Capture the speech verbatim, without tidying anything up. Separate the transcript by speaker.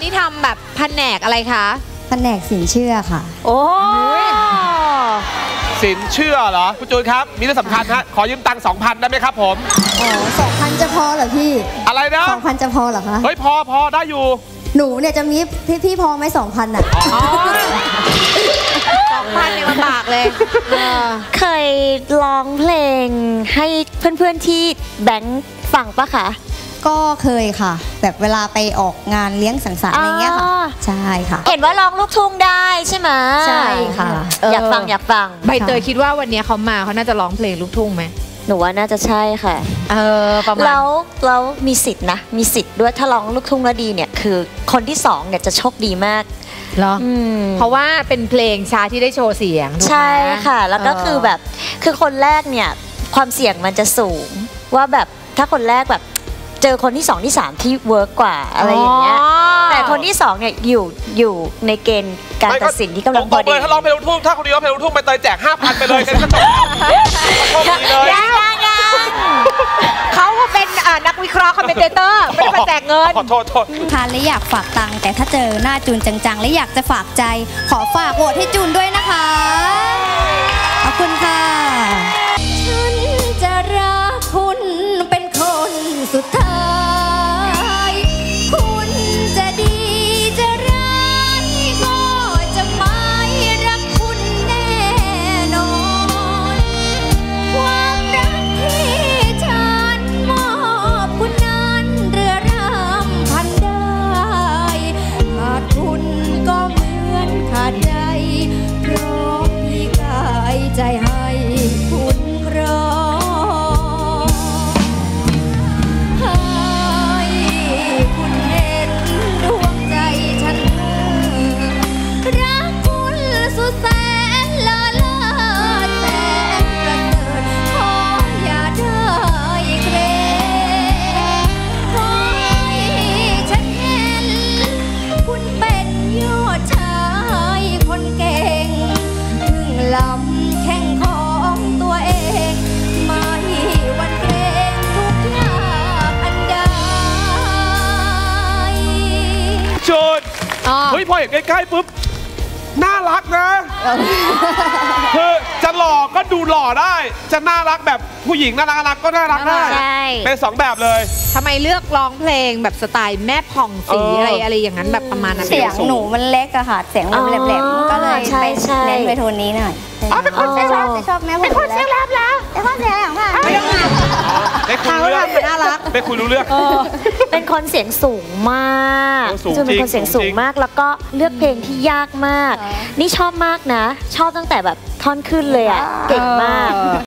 Speaker 1: นี่ทำแบบแผนกอะไรคะ
Speaker 2: แผนกสินเชื่อค่ะ
Speaker 1: โอ้
Speaker 3: สินเชื่อเหรอคุณจูนครับมีเรื่องสำคัญฮะขอยืมตังค์สองพันได้ไหมครับผม
Speaker 2: อ๋อสองพันจะพอเหรอพี่
Speaker 3: อะไรนะ
Speaker 2: สองพันจะพอเหรอคะ
Speaker 3: เฮ้ยพอพอได้อยู่
Speaker 2: หนูเนี่ยจะมีพี่พี่พอไหมสองพันอ่ะ
Speaker 1: สองพันเนี่ยลำบากเลย
Speaker 4: เคยร้องเพลงให้เพื่อนๆที่แบงค์ฟังปะคะ
Speaker 2: ก็เคยค่ะแบบเวลาไปออกงานเลี้ยงสังสรรค์อะไรเงี้ยค่ะใช่ค่ะ
Speaker 4: เห็นว่าร้องลูกทุ่งได้ใช่ไหม
Speaker 2: ใช่ค่ะ
Speaker 4: อยากฟังอยากฟัง
Speaker 1: ใบเตยคิดว่าวันนี้เขามาเขาน่าจะร้องเพลงลูกทุ่งไหม
Speaker 4: หนูว่าน่าจะใช่ค่ะ
Speaker 1: เออประมาณ
Speaker 4: แล้วแล้วมีสิทธิ์นะมีสิทธิ์ด้วยถ้าร้องลูกทุ่งแล้วดีเนี่ยคือคนที่สองเนี่ยจะโชคดีมาก
Speaker 1: เหรอเพราะว่าเป็นเพลงช้าที่ได้โชว์เสียง
Speaker 4: ใช่ค่ะแล้วก็คือแบบคือคนแรกเนี่ยความเสี่ยงมันจะสูงว่าแบบถ้าคนแรกแบบเจอคนที่สองที่สามที่เวิร์กกว่าอะไรอย่างเงี้ยแต่คนที่สองเนี่ยอยู่อยู่ในเกณฑ์การตัดสินที่กำลังพอดี
Speaker 3: ถ้าร้องเพลงลูกทุ่งถ้าคนนี้ร้องเพลงลูกทุ่งไปเตยแจกห้าพันไปเลยกันก็จบโชคดีเลย
Speaker 1: เขาเป็นนักวิเคราะห์คอมเมนเตอร์ไม่ได้มาแจกเงิน
Speaker 3: ขอโทษโทษ
Speaker 2: ทานและอยากฝากตังค์แต่ถ้าเจอหน้าจูนจังๆและอยากจะฝากใจขอฝากโหวตให้จูนด้วยนะคะขอบคุณค่ะฉันจะรักคุณเป็นคนสุดท้ายคุณจะดีจะร้ายก็จะไม่รักคุณแน่นอนความรักที่ฉันมอบคุณนั้นเรือรำพันได้ขาดคุณก็เหมือนขาดใจเพราะพี่กายใจให้คุณรอ
Speaker 3: เฮ้ยพอเห็นใกล้ๆปุ๊บน่ารักนะคือจะหล่อก็ดูหล่อได้จะน่ารักแบบผู้หญิงน่ารักก็น่ารักได้เป็นสองแบบเลย
Speaker 1: ทำไมเลือกร้องเพลงแบบสไตล์แม่ผ่องสีอะไรอะไรอย่างนั้นแบบประมาณนั้น
Speaker 2: เสียงหนูมันเล็กอะค่ะเสียงมันแหลมๆก็เลยไปเน้นไปโทนนี้หน่อย
Speaker 1: เป็นคนเสียงแหลม
Speaker 2: ชอบแม่ผ่องเป็นคนเสียงแหลมแล้วเป็นคนเสียงแหลมค่ะ
Speaker 3: ไม่ต้องไม่คุยรู้เรื่อง
Speaker 1: น่ารัก
Speaker 3: ไม่คุยรู้เรื่อง
Speaker 4: เป็นคนเสียงสูงมากจะเป็นคนเสียงสูงมากแล้วก็เลือกเพลงที่ยากมากนี่ชอบมากนะชอบตั้งแต่แบบท่อนขึ้นเลยอ่ะเก่งมาก